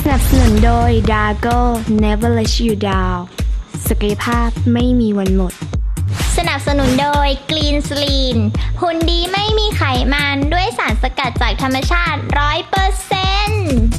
นับสนุนโดย Dago Never Let You Down ศักยภาพไม่มีวันหมดสนับสนุนโดย Green Slim หุ่นดีไม่มีไขมันด้วยสารสกัดจากธรรมชาติ 100%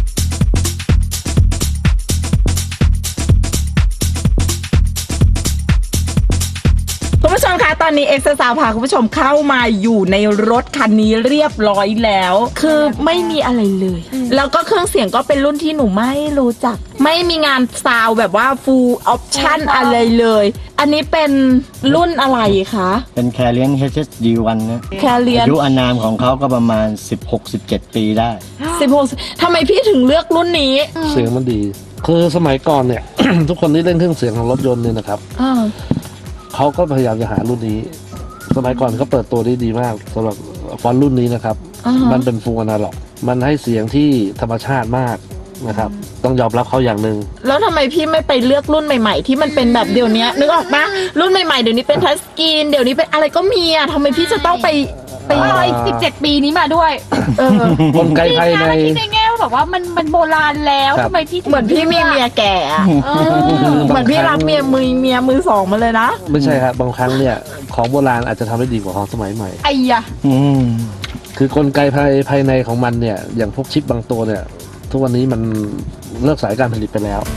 คุณผู้ชมคะตอนนี้เอ็กซ์ซาวพาคุณผู้ชมเข้ามาอยู่ในรถคันนี้เรียบร้อยแล้วคือไม่มีอะไรเลยแล้วก็เครื่องเสียงก็เป็นรุ่นที่หนูไม่รู้จักไม่มีงานซาวแบบว่า full option อะไรเลยอันนี้เป็นรุ่นอะไรคะเป็นแคเรียน HSD1 นะแคเรียนอายุอานามของเขาก็ประมาณ 16-17 ปีได้ 16ทำไมพี่ถึงเลือกรุ่นนี้เสียงมันดีคือสมัยก่อนเนี่ย ทุกคนที่เล่นเครื่องเสียงของรถยนต์เนี่ยนะครับเขาก็พยายามจะหารุ่นนี้สมัยก่อนเขาเปิดตัวได้ดีมากสำหรับฟอนต์รุ่นนี้นะครับมันเป็นฟูลอนาล็อกมันให้เสียงที่ธรรมชาติมากนะครับต้องยอมรับเขาอย่างหนึ่งแล้วทำไมพี่ไม่ไปเลือกรุ่นใหม่ๆที่มันเป็นแบบเดี๋ยวนี้นึกออกปะรุ่นใหม่ๆเดี๋ยวนี้เป็นทัชสกรีนเดี๋ยวนี้เป็นอะไรก็มีอะทำไมพี่จะต้องไปอะไร17 ปีนี้มาด้วยกลไกภายในที่ในแง่แบบว่ามันโบราณแล้วทำไมพี่เหมือนพี่มีเมียแก่เหมือนพี่รับเมียมือสองมาเลยนะไม่ใช่ครับบางครั้งเนี่ยของโบราณอาจจะทำได้ดีกว่าของสมัยใหม่ไอ้ยะคือกลไกภายในของมันเนี่ยอย่างพวกชิปบางตัวเนี่ยทุกวันนี้มันเลิกสายการผลิตไปแล้ว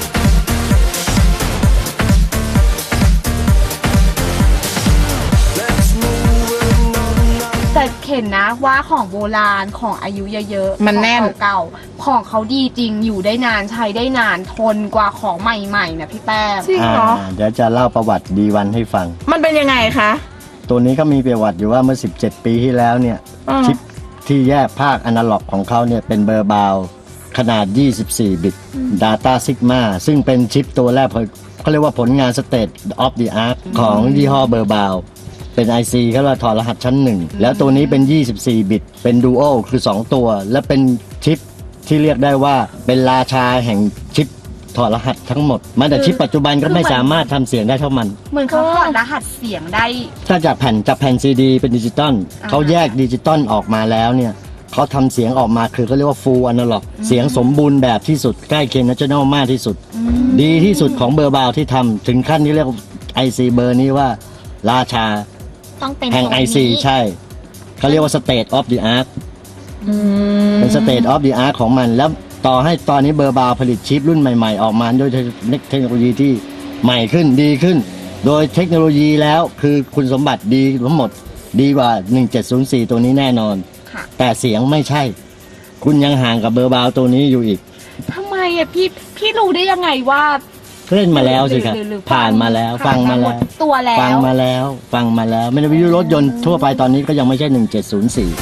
แต่เห็นนะว่าของโบราณของอายุเยอะๆมันแน่นเก่าของเขาดีจริงอยู่ได้นานใช้ได้นานทนกว่าของใหม่ๆนะพี่แป้งจริงเหรอเดี๋ยวจะเล่าประวัติ D1 ให้ฟังมันเป็นยังไงคะตัวนี้ก็มีประวัติอยู่ว่าเมื่อ17 ปีที่แล้วเนี่ยชิปที่แยกภาคอนาล็อกของเขาเนี่ยเป็นเบอร์บาวขนาด24 บิต Data Sigma ซึ่งเป็นชิปตัวแรกเขาเรียกว่าผลงาน State of the Art ของยี่ห้อเบอร์บาวเป็น IC เขาเรียกถอดรหัสชั้น1แล้วตัวนี้เป็น24 บิตเป็น Duo คือ2ตัวและเป็นชิปที่เรียกได้ว่าเป็นราชาแห่งชิปถอดรหัสทั้งหมดแม้แต่ชิปปัจจุบันก็ไม่สามารถทำเสียงได้เท่ามันเหมือนเขาถอดรหัสเสียงได้ถ้าจากแผ่น CD เป็นดิจิตอลเขาแยกดิจิตอลออกมาแล้วเนี่ยเขาทำเสียงออกมาคือเขาเรียกว่า full analog เสียงสมบูรณ์แบบที่สุดใกล้เคียง National มากที่สุดดีที่สุดของเบอร์บาวที่ทำถึงขั้นที่เรียก IC เบอร์นี้ว่าราชาแห่ง IC ใช่เขาเรียกว่า State of the Art เป็น State of the Art ของมันแล้วต่อให้ตอนนี้เบอร์บาวผลิตชิปรุ่นใหม่ๆออกมาด้วยเทคโนโลยีที่ใหม่ขึ้นดีขึ้นโดยเทคโนโลยีแล้วคือคุณสมบัติดีทั้งหมดดีกว่า1704ตัวนี้แน่นอนแต่เสียงไม่ใช่คุณยังห่างกับเบอร์บาวตัวนี้อยู่อีกทำไมอะพี่รู้ได้ยังไงว่าเล่นมาแล้วสิครับผ่านมาแล้วฟังมาแล้วตัวแล้วฟังมาแล้วไม่ได้วิทยุรถยนต์ทั่วไปตอนนี้ก็ยังไม่ใช่1704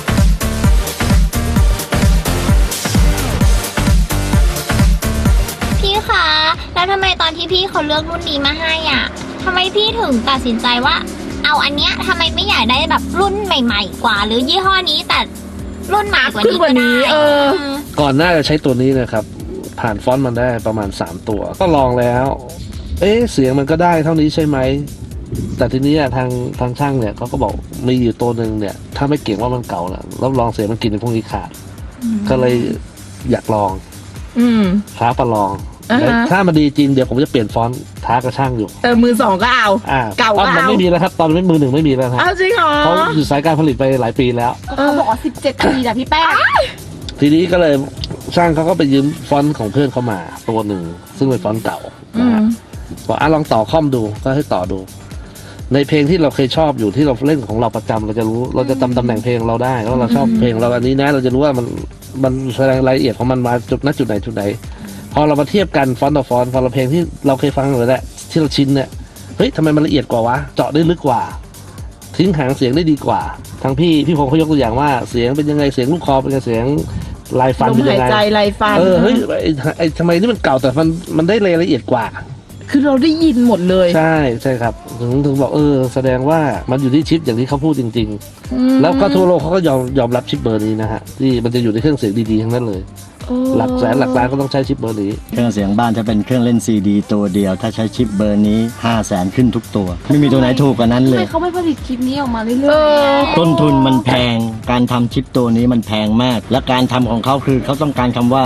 พี่คะแล้วทำไมตอนที่พี่เขาเลือกรุ่นนี้มาให้อ่ะทำไมพี่ถึงตัดสินใจว่าเอาอันเนี้ยทำไมไม่อยากได้แบบรุ่นใหม่ๆกว่าหรือยี่ห้อนี้แต่รุ่นใหม่กว่านี้ก็ได้ก่อนหน้าจะใช้ตัวนี้นะครับผ่านฟอนต์มันได้ประมาณ3ตัวก็ลองแล้วเสียงมันก็ได้เท่านี้ใช่ไหมแต่ทีนี้ทางช่างเนี่ยเขาก็บอกมีอยู่ตัวหนึ่งเนี่ยถ้าไม่เก่งว่ามันเก่านะรับรองเสียงมันกินในพวกนี้ขาดก็เลยอยากลองท้าประลองถ้ามันดีจริงเดี๋ยวผมจะเปลี่ยนฟอนต์ท้ากระช่างอยู่มือสองก็เอาเก่ามันไม่มีแล้วครับตอนมือหนึ่งไม่มีแล้วครับจริงเหรอเขาอยู่สายการผลิตไปหลายปีแล้วเขาบอกว่า17 ปีนะพี่แป้งทีนี้ก็เลยช่างเขาก็ไปยืมฟอนต์ของเพื่อนเขามาตัวหนึ่งซึ่งเป็นฟอนต์เก่าบอกลองต่อคอมดูก็ให้ต่อดูในเพลงที่เราเคยชอบอยู่ที่เราเล่นของเราประจำเราจะรู้เราจะจำตำแหน่งเพลงเราได้ว่าเราชอบเพลงเราอันนี้นะเราจะรู้ว่ามันแสดงรายละเอียดของมันมาจุดไหนพอเรามาเทียบกันฟอนต์ต่อฟอนต์พอเราเพลงที่เราเคยฟังเลยแหละที่เราชินเนี่ยเฮ้ยทำไมมันละเอียดกว่าวะเจาะได้ลึกกว่าทิ้งหางเสียงได้ดีกว่าทั้งพี่พงเขายกตัวอย่างว่าเสียงเป็นยังไงเสียงลูกคอเป็นยังไงเสียงลายฟันเป็นยังไงลายฟันเฮ้ยทำไมนี่มันเก่าแต่มันได้รายละเอียดกว่าคือเราได้ยินหมดเลยใช่ครับถึงบอกแสดงว่ามันอยู่ที่ชิปอย่างที่เขาพูดจริงๆแล้วก็ทั่วโลกเขาก็ยอมรับชิปเบอร์นี้นะฮะที่มันจะอยู่ในเครื่องเสียงดีๆทั้งนั้นเลยหลักแสนหลักล้านก็ต้องใช้ชิปเบอร์นี้เครื่องเสียงบ้านถ้าเป็นเครื่องเล่นซีดีตัวเดียวถ้าใช้ชิปเบอร์นี้500,000ขึ้นทุกตัวไม่มีตัวไหนถูกกว่านั้นเลยเขาไม่ผลิตชิปนี้ออกมาเรื่อยๆต้นทุนมันแพงการทำชิปตัวนี้มันแพงมากและการทำของเขาคือเขาต้องการคำว่า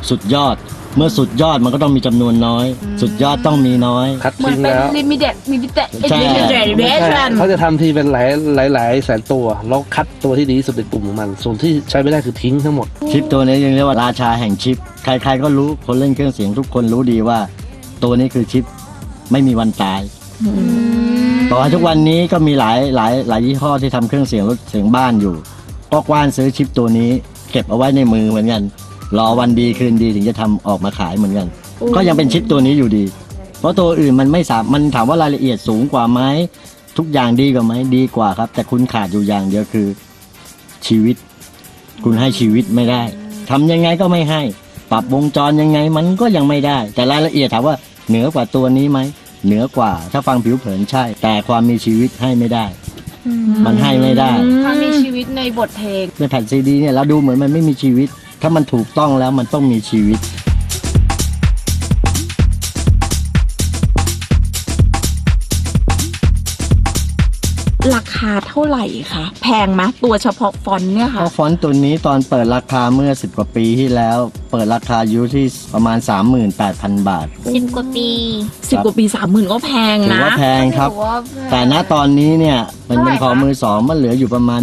สุดยอด เมื่อสุดยอดมันก็ต้องมีจำนวนน้อย สุดยอดต้องมีน้อยคัดเหมือนทิ้งเป็นแล้ว limited ใช่ไม่ใช่เขาจะทำทีเป็นหลายแสนตัวแล้วคัดตัวที่ดีที่สุดในกลุ่มของมัน ส่วนที่ใช้ไม่ได้คือทิ้งทั้งหมดชิปตัวนี้ยังเรียกว่าราชาแห่งชิป ใครๆก็รู้คนเล่นเครื่องเสียงทุกคนรู้ดีว่า ตัวนี้คือชิปไม่มีวันตายต่อให้ทุกวันนี้ก็มีหลายยี่ห้อที่ทำเครื่องเสียงรถเสียงบ้านอยู่ก็กว้านซื้อชิปตัวนี้ เก็บเอาไว้ในมือเหมือนกันรอวันดีคืนดีถึงจะทำออกมาขายเหมือนกัน ก็ยังเป็นชิปตัวนี้อยู่ดี เพราะตัวอื่นมันถามว่ารายละเอียดสูงกว่าไหมทุกอย่างดีกว่าไหมดีกว่าครับ แต่คุณขาดอยู่อย่างเดียวคือชีวิต คุณให้ชีวิตไม่ได้ทำยังไงก็ไม่ให้ ปรับวงจรยังไงมันก็ยังไม่ได้ แต่รายละเอียดถามว่าเหนือกว่าตัวนี้ไหมเหนือกว่า ถ้าฟังผิวเผินใช่ แต่ความมีชีวิตให้ไม่ได้ มันให้ไม่ได้ถ้ามีชีวิตในบทเพลงในแผ่นซีดีเนี่ยเราดูเหมือนมันไม่มีชีวิต ถ้ามันถูกต้องแล้วมันต้องมีชีวิตราคาเท่าไหร่คะแพงไหมตัวเฉพาะฟอนต์เนี่ยเพค่ะราะฟอนต์ตัวนี้ตอนเปิดราคาเมื่อ10 กว่าปีที่แล้ว เปิดราคาอยู่ที่ประมาณ 38,000 บาท 10 กว่าปี 10 กว่าปี 30,000 ก็แพงถือนะว่าแพงครับ แต่ณตอนนี้เนี่ยมันเป็นของมือสองมันเหลืออยู่ประมาณ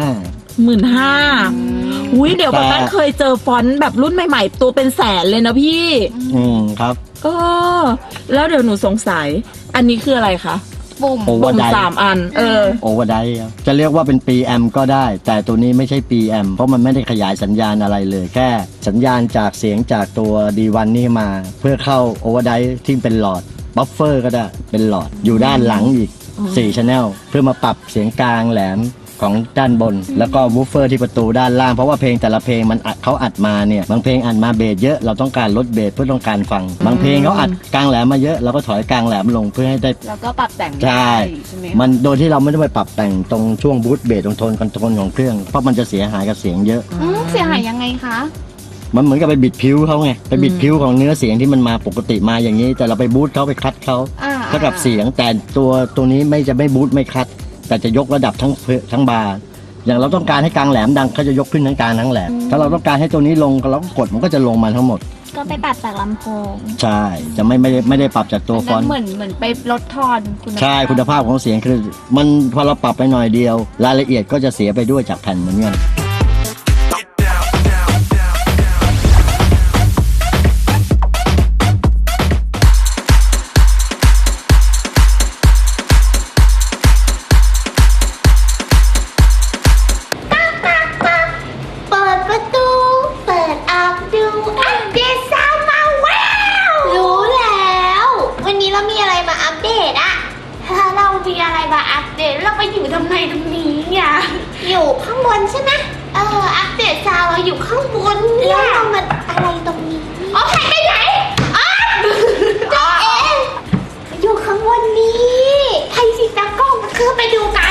15,000อุ้ยเดี๋ยวแต่แบบนั้นเคยเจอฟอนต์แบบรุ่นใหม่ๆ ตัวเป็นแสนเลยนะพี่ครับแล้วเดี๋ยวหนูสงสัย อันนี้คืออะไรคะปุ่มโอเวอร์ได 3 อันโอเวอร์ไดครับจะเรียกว่าเป็นปีแอมก็ได้ แต่ตัวนี้ไม่ใช่ปีแอมเพราะมันไม่ได้ขยายสัญญาณอะไรเลย แค่สัญญาณจากเสียงจากตัว D1 นี่มา เพื่อเข้าโอเวอร์ไดที่เป็นหลอดบัฟเฟอร์ก็ได้เป็นหลอดอยู่ด้านหลังอีก4 channel เพื่อมาปรับเสียงกลางแหลมของด้านบน แล้วก็วูฟเฟอร์ที่ประตูด้านล่างเพราะว่าเพลงแต่ละเพลงมันเขาอัดมาเนี่ยบางเพลงอัดมาเบสเยอะเราต้องการลดเบสเพื่อต้องการฟัง บางเพลงเขาอัดกลางแหลมมาเยอะเราก็ถอยกลางแหลมลงเพื่อให้ได้แล้วก็ปรับแต่งใช่ได้ใช่ไหมคะมันโดยที่เราไม่ได้ไปปรับแต่งตรงช่วงบูทเบสตรงโทนคอนโทรลของเครื่องเพราะมันจะเสียหายกับเสียงเยอะเสียหายยังไงคะมันเหมือนกับไปบิดผิวเขาไงไปบิดผิวของเนื้อเสียงที่มันมาปกติมาอย่างนี้ แต่เราไปบูทเขาไปคัดเขา เท่ากับเสียงแต่ตัวนี้จะไม่บูทไม่คัด แต่จะยกระดับทั้งบาร์อย่างเราต้องการให้กลางแหลมดังเขาจะยกขึ้นทั้งกลางทั้งแหลมถ้าเราต้องการให้ตัวนี้ลงเราก็กดมันก็จะลงมาทั้งหมดก็ไปปรับจากลำโพงใช่จะไม่ได้ปรับจากตัวฟอนต์เหมือนไปลดทอนคุณภาพใช่คุณภาพของเสียงคือมันพอเราปรับไปหน่อยเดียว รายละเอียดก็จะเสียไปด้วยจากแผ่นเหมือนกันเปิดประตู เปิดออกดูอัปเดตซาวด์มาว้าว รู้แล้ว วันนี้เรามีอะไรมาอัปเดตอะถ้าเรามีอะไรมาอัปเดตเราไปอยู่ทำไมตรงนี้เนี่ยอยู่ข้างบนใช่ไหมอัปเดตซาวด์เราอยู่ข้างบนเนี่ยแล้วเรามาอะไรตรงนี้อ๋อหายไปไหนอ๋อตัวเองอยู่ข้างบนนี้ใครสิตากล้องคือไปดูกัน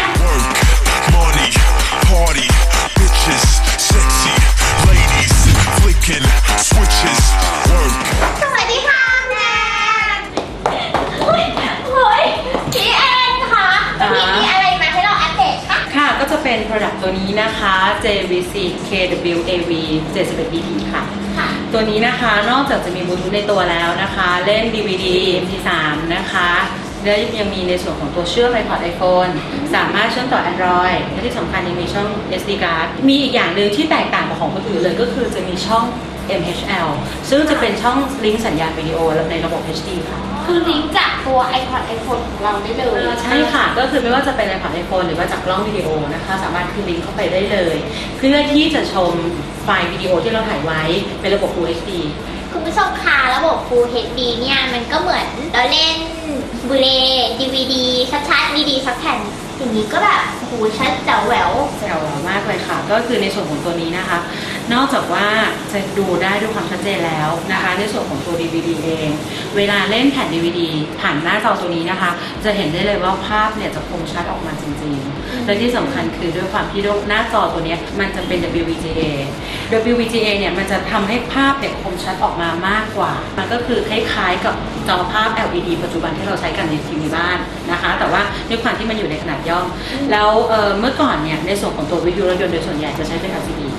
Money, party, bitches, sexy, ladies, flicking, switches, work. สวัสดีค่ะแนนเฮ้ยพี่แอนคะมีอะไรมาให้เราอัปเดตคะค่ะก็จะเป็น Product ตัวนี้นะคะ JVC KWAV 71BP ค่ะ ตัวนี้นะคะนอกจากจะมีบลูทูธในตัวแล้วนะคะ เล่น DVD MP3 นะคะและยังมีในส่วนของตัวเชื่อม iPod iPhone สามารถเชื่อมต่อ Android และที่สำคัญยังมีช่อง SD card มีอีกอย่างหนึ่งที่แตกต่างกับของคนอื่นเลยก็คือจะมีช่อง MHL ซึ่งจะเป็นช่องลิงก์สัญญาณวิดีโอในระบบ HD ค่ะคือลิงก์จากตัว iPod iPhone ของเราได้เลยใช่ค่ะ ก็คือไม่ว่าจะเป็น iPod iPhone หรือว่าจากกล้องวิดีโอนะคะ สามารถคือลิงก์เข้าไปได้เลย เพื่อที่จะชมไฟล์วิดีโอที่เราถ่ายไว้เป็นระบบ Full HD คุณผู้ชมคะระบบ Full HD เนี่ยมันก็เหมือนเราเล่นบูเล DVD ชัดๆดีๆสักแผ่นอย่างนี้ก็แบบโอ้โหชัดแจ๋วแหววแจ๋วมากเลยค่ะ ก็คือในส่วนของตัวนี้นะคะ นอกจากว่าจะดูได้ด้วยความชัดเจนแล้วนะคะ ในส่วนของตัว DVD เอง เวลาเล่นแผ่น DVD ผ่านหน้าจอตัวนี้นะคะ จะเห็นได้เลยว่าภาพเนี่ยจะคมชัดออกมาจริงๆ และที่สำคัญคือด้วยความที่หน้าจอตัวนี้มันจะเป็น WVGA WVGA เนี่ยมันจะทำให้ภาพเนี่ยคมชัดออกมามากกว่า มันก็คือคล้ายๆกับจอภาพ LED ปัจจุบันที่เราใช้กันในทีวีบ้านนะคะ แต่ว่าด้วยความที่มันอยู่ในขนาดย่อมแล้วเมื่อก่อนเนี่ยในส่วนของตัววิทยุรถยนต์โดยส่วนใหญ่จะใช้เป็น LCD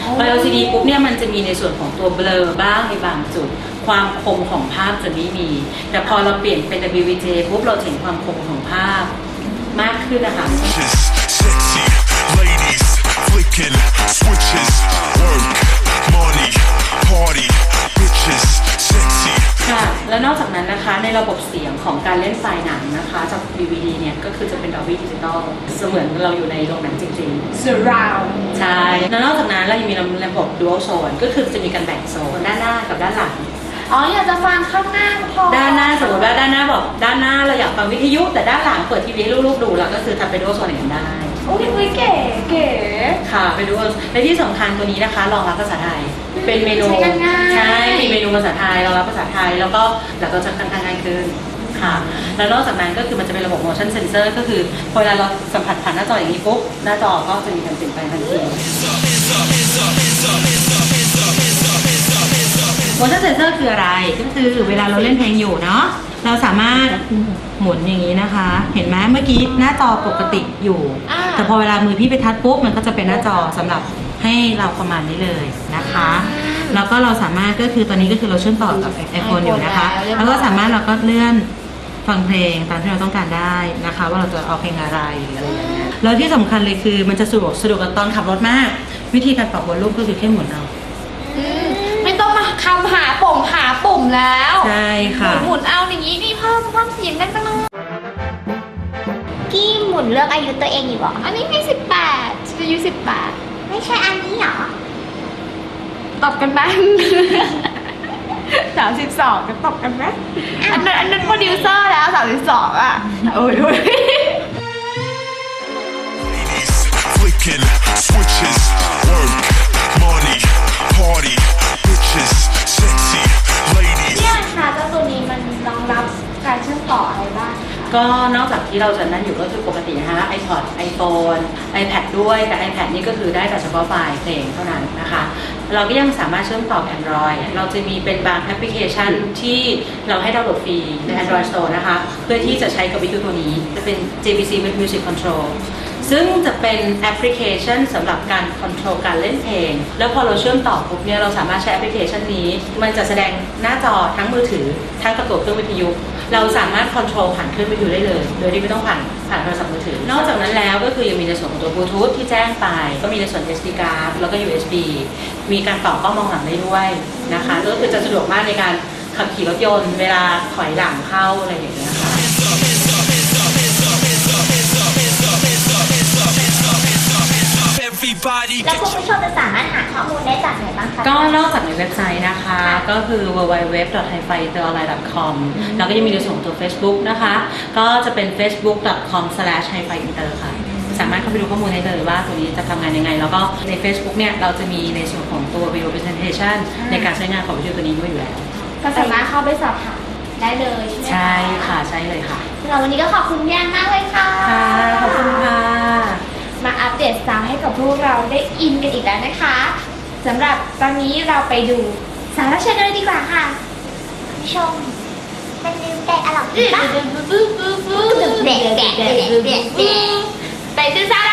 พอ LCD ปุ๊บเนี่ยมันจะมีในส่วนของตัวเบลอบ้างในบางจุด ความคมของภาพจะไม่มี แต่พอเราเปลี่ยนเป็น WVJ ปุ๊บเราเห็นความคมของภาพมากขึ้นนะคะ Sexy ladies flicking switches, work, money, party, bitches, sexy. ค่ะ แล้วนอกจากนั้นนะคะในระบบเสียงของการเล่นไฟล์หนังนะคะจาก DVD เนี่ยก็คือจะเป็น Dolby Digital เสมือนเราอยู่ในโรงหนังจริงๆ surround ใช่ แล้วนอกจากนั้นเรายังมีระบบ Dual Zone ก็คือจะมีการแบ่งโซนด้านหน้ากับด้านหลังอ๋ออยากจะฟังข้างหน้าพอด้านหน้าสมมติว่าด้านหน้าบอกด้านหน้าเราอยากฟังวิทยุแต่ด้านหลังเปิดทีวีให้ลูกๆดูเราก็คือทำเป็น Dual Zone อย่างนั้นได้โอ้ยเก๋เก๋ค่ะไปดูและที่สำคัญตัวนี้นะคะรองรับภาษาไทย เป็นเมนูใช้กันง่ายใช่มีเมนูภาษาไทยรองรับภาษาไทยแล้วก็จะค่อนข้างง่ายขึ้นค่ะแล้วนอกจากนั้นก็คือมันจะเป็นระบบ motion sensor ก็คือพอเวลาเราสัมผัสผ่านหน้าจออย่างนี้ปุ๊บหน้าจอก็จะมีการเปลี่ยนแปลงทันที motion sensor คืออะไรก็คือเวลาเราเล่นเพลงอยู่เนาะเราสามารถหมุนอย่างนี้นะคะ เห็นไหมเมื่อกี้หน้าจอปกติอยู่ แต่พอเวลามือพี่ไปทัชปุ๊บมันก็จะเป็นหน้าจอสำหรับให้เราประมาณนี้เลยนะคะ แล้วก็เราสามารถก็คือตอนนี้ก็คือเราเชื่อมต่อกับ iPhone อยู่นะคะ แล้วก็สามารถเราก็เลื่อนฟังเพลงตามที่เราต้องการได้นะคะ ว่าเราจะเอาเพลงอะไรหรืออะไรอย่างเงี้ยแล้วที่สำคัญเลยคือมันจะสะดวกกับตอนขับรถมาก วิธีการปรับวอลลุ่มก็คือแค่หมุนเอาไม่ต้องมาคำหาปุ่มแล้วใช่ค่ะหมุนเอาอย่างนี้นี่เพิ่มเสียงได้จังเลยกี้หมุนเลือกอายุตัวเองอยู่เหรออันนี้มี18อายุ18 ไม่ใช่อันนี้เหรอตบกันบ้าง32กันตบกันไหมอันนั้นโปรดิวเซอร์แล้ว32อ่ะโอ้ย Ladies flicking switches, work, money, party, bitches, sexy ladies. เนี่ยค่ะเจ้าตัวนี้มันรองรับการเชื่อมต่ออะไรบ้างคะก็นอกจากที่เราจะนั่นอยู่ก็คือปกตินะคะ iPod iPhone iPad ด้วยแต่ iPad นี่ก็คือได้แต่เฉพาะไฟล์เพลงเท่านั้นนะคะ เราก็ยังสามารถเชื่อมต่อ Android เราจะมีเป็นบางแอปพลิเคชันที่เราให้ดาวน์โหลดฟรีใน Android Store นะคะ เพื่อที่จะใช้กับวิทยุตัวนี้จะเป็น JVC Music Control ซึ่งจะเป็นแอปพลิเคชันสำหรับการคอนโทรลการเล่นเพลง แล้วพอเราเชื่อมต่อปุ๊บเนี่ยเราสามารถใช้แอปพลิเคชันนี้ มันจะแสดงหน้าจอทั้งมือถือทั้งกับตัวเครื่องวิทยุ เราสามารถคอนโทรลผ่านเครื่องวิทยุได้เลย โดยที่ไม่ต้องผ่านโทรศัพท์มือถือ นอกจากนั้นแล้วก็คือยังมีในส่วนของตัวบลูทูธที่แจ้งไป ก็มีในส่วน SD card แล้วก็ USB มีการต่อกล้องมองหลังได้ด้วยนะคะก็คือจะสะดวกมากในการขับขี่รถยนต์เวลาถอยหลังเข้าอะไรอย่างเงี้ยค่ะแล้วคุณผู้ชมจะสามารถหาข้อมูลได้จากไหนบ้างคะก็นอกจากในเว็บไซต์นะคะ ก็คือ www.hifi-online.com แล้วก็ยังมีในส่วนของตัว Facebook นะคะ ก็จะเป็น facebook.com/hifi-inter ค่ะ สามารถเข้าไปดูข้อมูลได้เลยว่าตัวนี้จะทำงานยังไง แล้วก็ใน Facebook เนี่ยเราจะมีในส่วนของตัว video presentation ในการใช้งานของวิทยุตัวนี้ด้วยอยู่แล้วก็สามารถเข้าไปสอบถามได้เลยใช่ไหมใช่ค่ะ ใช่เลยค่ะสำหรับวันนี้ก็ขอบคุณพี่แอนมากเลยค่ะค่ะ ขอบคุณค่ะมาอัปเดตซาวด์ให้กับพวกเราได้อินกันอีกแล้วนะคะสำหรับตอนนี้เราไปดูสาระเชิญกันเลยดีกว่าค่ะผู้ชมมันลืมแกะอร่อยปะไปดูซาวด์